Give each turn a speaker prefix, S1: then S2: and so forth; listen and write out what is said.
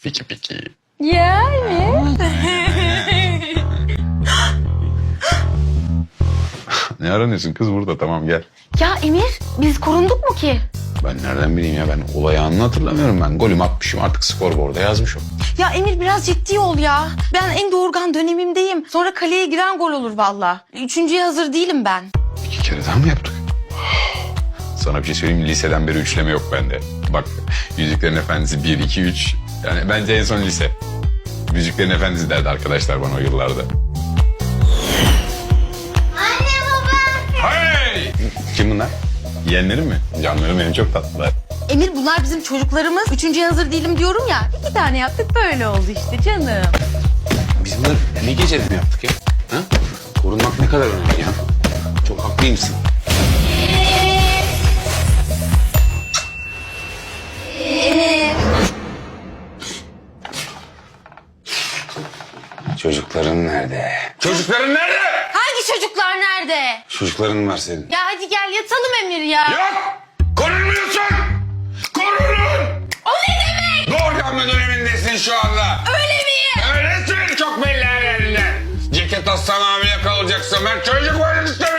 S1: Piki piki.
S2: Yani.
S1: Ne aranıyorsun kız burada? Tamam gel.
S2: Ya Emir, biz korunduk mu ki?
S1: Ben nereden bileyim ya, ben olay anını hatırlamıyorum ben. Golüm atmışım, artık skorboarda yazmışım.
S2: Ya Emir biraz ciddi ol ya. Ben en doğurgan dönemimdeyim. Sonra kaleye giren gol olur valla. Üçüncüye hazır değilim ben.
S1: 2 kere daha mı yaptık? Sana bir şey söyleyeyim mi? Liseden beri üçleme yok bende. Bak, Yüzüklerin Efendisi 1, 2, 3. Yani bence en son lise. Yüzüklerin Efendisi derdi arkadaşlar bana o yıllarda.
S3: Anne baba.
S1: Hey! Kim bunlar? Yeğenlerim mi? Canlarım benim, çok tatlılar.
S2: Emir bunlar bizim çocuklarımız. Üçüncüye hazır değilim diyorum ya. 2 tane yaptık böyle oldu işte canım.
S1: Biz bunları ne gecede mi yaptık ya? Ha? Korunmak ne kadar önemli ya. Çok haklıymışsın. Çocukların nerede? Çocukların nerede?
S2: Hangi çocuklar nerede?
S1: Çocukların var senin.
S2: Ya hadi gel yatalım Emir ya.
S1: Yok! Korunmuyorsun! Korunun!
S2: O ne demek?
S1: Doğurganma dönemindesin şu anda.
S2: Öyle miyim?
S1: Öylesin, çok belli her yerinde. Ceket aslan hamile kalacaksın. Ben çocuk var istiyorum.